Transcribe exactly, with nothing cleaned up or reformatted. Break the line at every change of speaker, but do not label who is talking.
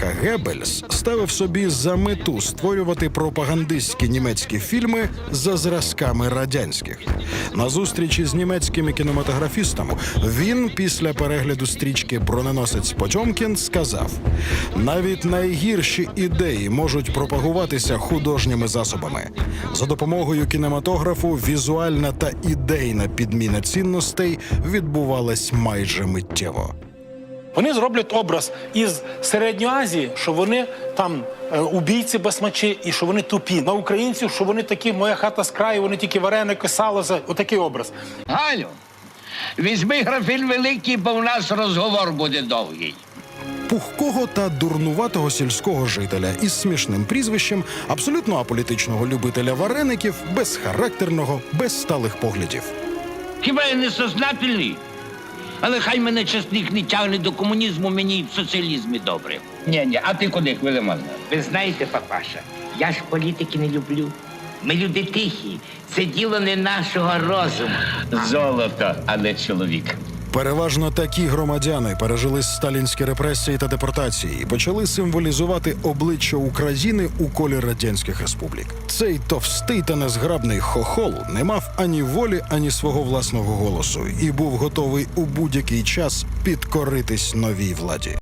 Генріха Геббельс ставив собі за мету створювати пропагандистські німецькі фільми за зразками радянських. На зустрічі з німецькими кінематографістами він після перегляду стрічки «Броненосець Потьомкін» сказав: «Навіть найгірші ідеї можуть пропагуватися художніми засобами. За допомогою кінематографу візуальна та ідейна підміна цінностей відбувалась майже миттєво».
Вони зроблять образ із Середньої Азії, що вони там е, убійці басмачі і що вони тупі. На українців, що вони такі, моя хата з краю, вони тільки вареники, сало, за отакий образ.
Галю, візьми графін великий, бо у нас розговор буде довгий.
Пухкого та дурнуватого сільського жителя із смішним прізвищем, абсолютно аполітичного любителя вареників, безхарактерного, без сталих поглядів.
Хіба я не сознательний? Але хай мене часник не тягне до комунізму, мені і в соціалізмі добре. Ні-ні, а ти куди, Хвилимон?
Ви знаєте, папаша, я ж політики не люблю. Ми люди тихі, це діло не нашого розуму.
Золото, а не чоловік.
Переважно такі громадяни пережили сталінські репресії та депортації і почали символізувати обличчя України у колі радянських республік. Цей товстий та незграбний хохол не мав ані волі, ані свого власного голосу і був готовий у будь-який час підкоритись новій владі.